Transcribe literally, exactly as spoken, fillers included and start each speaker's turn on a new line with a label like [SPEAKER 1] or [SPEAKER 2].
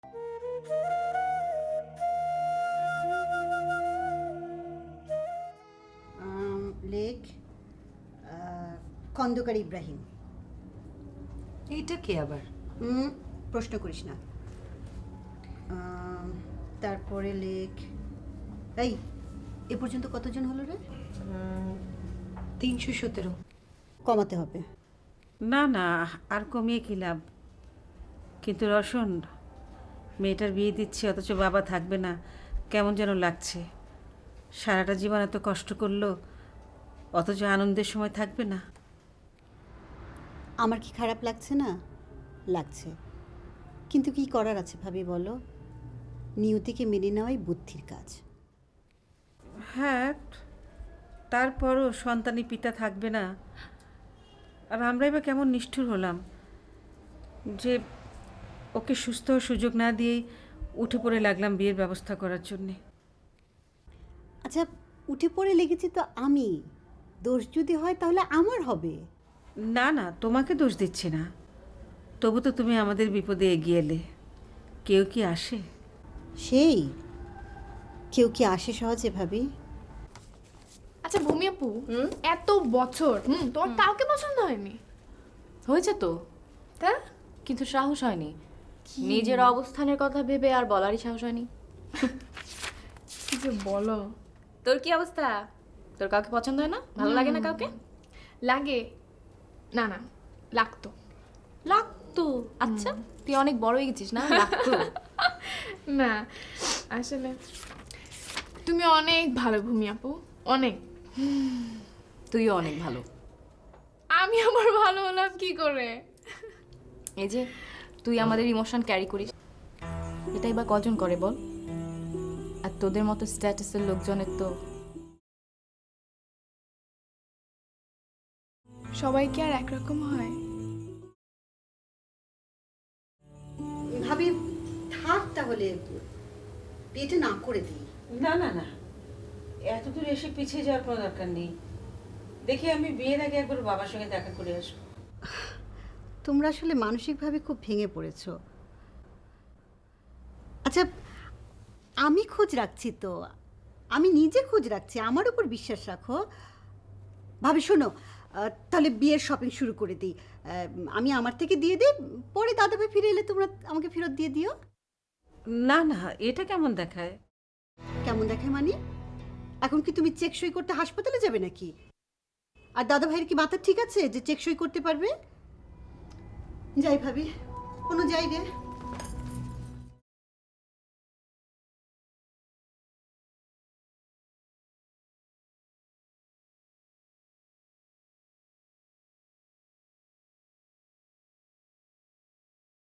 [SPEAKER 1] লেখ খন্দকার ইব্রাহিম।
[SPEAKER 2] এইটা কে আবার?
[SPEAKER 1] হুম, প্রশ্ন করিস না। আম, তারপরে লেখ, এই এ পর্যন্ত কতজন হলো রে?
[SPEAKER 2] তিনশো সতেরো।
[SPEAKER 1] কমাতে হবে।
[SPEAKER 3] না না, আর কমিয়ে কি লাভ? কিন্তু রসন, মেয়েটার বিয়ে দিচ্ছি অথচ বাবা থাকবে না, কেমন যেন লাগছে। সারাটা জীবন এত কষ্ট করলো অথচ আনন্দের সময় থাকবে না।
[SPEAKER 1] আমার কি খারাপ লাগছে না? লাগছে, কিন্তু কি করার আছে ভাবি বলো? নিয়তিকে মেনে নেওয়াই বুদ্ধির কাজ।
[SPEAKER 3] হ্যাঁ, তারপরও সন্তানী পিতা থাকবে না, আর আমরাই বা কেমন নিষ্ঠুর হলাম যে ওকে সুস্থ হওয়ার সুযোগ না দিয়েই উঠে পড়ে লাগলাম বিয়ের ব্যবস্থা করার জন্যে।
[SPEAKER 1] আচ্ছা, উঠে পড়ে লেগেছি তো আমি, দোষ যদি হয় তাহলে আমার হবে।
[SPEAKER 3] না না, তোমাকে দোষ দিচ্ছি না, তবু তো তুমি আমাদের বিপদে এগিয়ে এলে। কেউ কি আসে?
[SPEAKER 1] সেই কেউ কি আসে সহজে ভাবি?
[SPEAKER 4] আচ্ছা ভূমি আপু, এত বছর হুম তোমার কাউকে পছন্দ হয়নি?
[SPEAKER 5] হয়েছে তো,
[SPEAKER 4] তা
[SPEAKER 5] কিন্তু সাহস হয়নি। নিজের অবস্থানের কথা ভেবে আর বলারই সাহস হয়নি।
[SPEAKER 4] কি যে বলো।
[SPEAKER 5] তোর কি অবস্থা? তোর কাউকে পছন্দ হয় না? ভালো লাগে না কাউকে?
[SPEAKER 4] লাগে না, না লাগতো।
[SPEAKER 5] লাগতো? আচ্ছা, তুই অনেক বড় হয়ে গেছিস না? লাগতো
[SPEAKER 4] না আসলে তুমি অনেক ভালো ভূমি আপু, অনেক।
[SPEAKER 5] তুইও অনেক ভালো।
[SPEAKER 4] আমি আবার ভালো হলাম কি করে?
[SPEAKER 5] এই যে তুই আমাদের ইমোশন ক্যারি করিস, এটাই বা কজন করে বল? আর তোদের মতো স্ট্যাটাসের লোকজনের তো
[SPEAKER 4] সবাই কি আর একরকম হয়?
[SPEAKER 1] ভাবি থাক তাহলে, বিয়েটা না করে দিই।
[SPEAKER 3] না না না, এত দূর এসে পিছিয়ে যাওয়ার কোনো দরকার নেই। দেখি আমি বিয়ের আগে একবার বাবার সঙ্গে দেখা করে আসবো।
[SPEAKER 1] তোমরা আসলে মানসিকভাবে খুব ভেঙে পড়েছ। আচ্ছা, আমি খোঁজ রাখছি তো, আমি নিজে খোঁজ রাখছি, আমার উপর বিশ্বাস রাখো। ভাবি শোনো, আহ, তাহলে বিয়ের শপিং শুরু করে দিই। আহ, আমি আমার থেকে দিয়ে দিই, পরে দাদাভাই ফিরে এলে তোমরা আমাকে ফেরত দিয়ে দিও।
[SPEAKER 3] না না, এটা কেমন দেখায়?
[SPEAKER 1] কেমন দেখে মানে? এখন কি তুমি চেক সই করতে হাসপাতালে যাবে নাকি? আর দাদাভাইয়ের কি মাথা ঠিক আছে যে চেক সই করতে পারবে? যাই ভাবি, কোনো যাই রে।